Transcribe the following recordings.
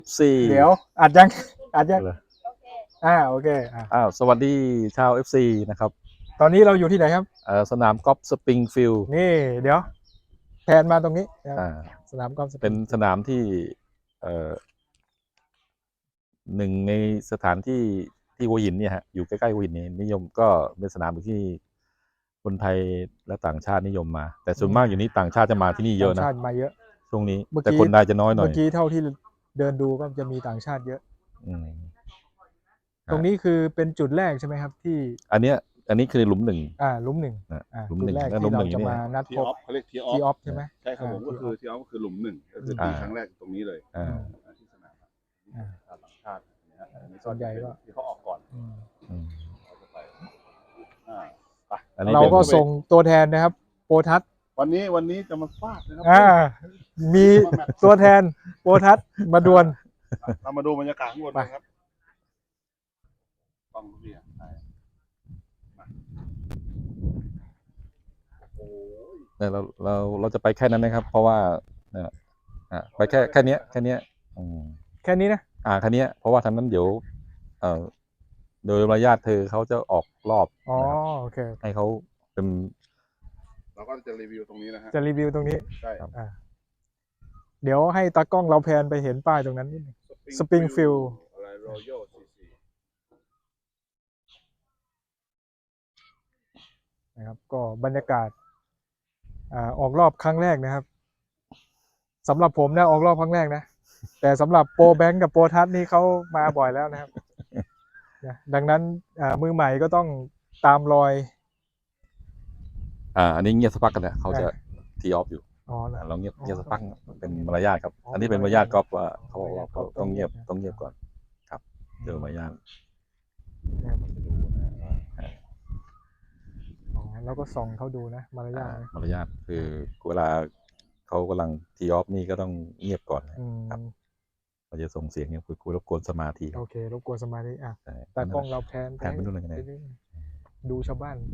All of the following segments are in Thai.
สี่เดี๋ยวอัดยังอัดยังเลยโอเคสวัสดีชาว FC นะครับตอนนี้เราอยู่ที่ไหนครับสนามกอล์ฟสปริงฟิลด์นี่เดี๋ยวแผนมาตรงนี้นะครับอ่าสนามกอล์ฟสปเป็รินงสนามที่หนึ่งในสถานที่หัวหินเนี่ยฮะอยู่ใกล้ๆหัวหินนี่นิยมก็เป็นสนามที่คนไทยและต่างชาตินิยมมา แต่ส่วนมากอยู่นี้ต่างชาติจะมาที่นี่เยอะต่างนะชาติมาเยอะช่วงนี้เมื่อแต่กี้คนไทยจะน้อยหน่อยเมื่อกี้เท่าที่เดินดูก็จะมีต่างชาติเยอะอืมตรงนี้คือเป็นจุดแรกใช่ไหมครับที่อันนี้คือหลุมหนึ่งหลุมหนึ่งนะหลุมจุหดนึ่งแรกและหลุที่มหเรานึ่งจะนี่มานัดทีพอบ อฟเขาเรียกทีออทีออฟฟใช่ไหมใช่ครับผมก็คือทีออฟก็คือหลุมหนึ่งก็คือตีครั้งแรกตรงนี้เลยอ่าที่สนามชาวต่างชาตินะฮะอันนี้ส่วนใหญ่ก็ที่เขาออกก่อนอืมเราจะไปไปอันนี้เราเป็นก็ส่งตัวแทนนะครับโปรทัศน์วันนี้จะมาฟาดนะครับมีตัวแทนโปรทัศน์มาดวลเรามาดูบรรยากาศข้างบนไปนะครับต้องเรียกไปมาโอ้ยเนี่ยเราจะไปแค่นั้นนะครับ เพราะว่าเนี่ยไปแค่เนี้ยอืมแค่นี้นะแค่เนี้ยเพราะว่าทางนั้นเดี๋ยวโดยมารยาทเธอเขาจะออกรอบอ๋อนะครับโอเคให้เขาเป็นเราก็จะรีวิวตรงนี้นะฮะจะรีวิวตรงนี้ใช่เดี๋ยวให้ตากล้องเราแพนไปเห็นป้ายตรงนั้นนิดนึง Springfield อะไร Royal CC นะครับก็บรรยากาศออกรอบครั้งแรกนะครับสำหรับผมนะออกรอบครั้งแรกนะ แต่สำหรับโปรแบงค์กับโปรทัศน์นี่เขามาบ่อยแล้วนะครับ นะดังนั้นมือใหม่ก็ต้องตามรอยอันนี้เงียบสักพักกันนะเขาจะทีออฟอยู่อ๋อเหรอเราเงียบสักพักเป็นมารยาทครับ อันนี้เป็นมารยาทกอล์ฟว่าเขาบอกว่าเขาต้องเงียบก่อนครับเจอมารยาทแล้วก็ส่องเขาดูนะมารยาทนะมารยาทคือเวลาเขากำลังทีออฟนี่ก็ต้องเงียบก่อนอืมครับเราจะส่งเสียงเนี่ยคุยรบกวนสมาธิโอเครบกวนสมาธิใช่แต่กล้องเราแพนแผนไปนู่นเลยไงดูชาวบ้านเขา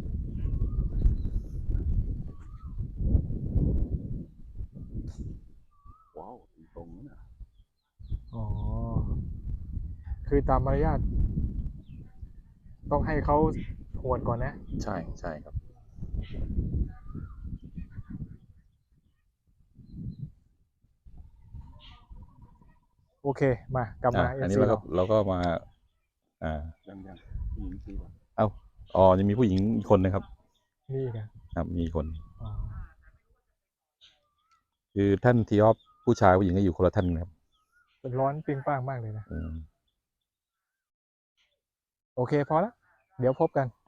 ว้าวตรงนั้นนะอ๋อคือตามมารยาทต้องให้เขาหวดก่อนนะใช่ครับโอเคมากลับมาอันนี้ FC เราก็มายังผู้หญิงคือยังมีผู้หญิงอีกคนนะครับนี่ไงครับมีคนอ๋อคือท่านทีออฟผู้ชายผู้หญิงก็อยู่คนละท่านนะครับเป็นร้อนปิงป้างมากเลยนะอืมโอเคพอละเดี๋ยวพบกัน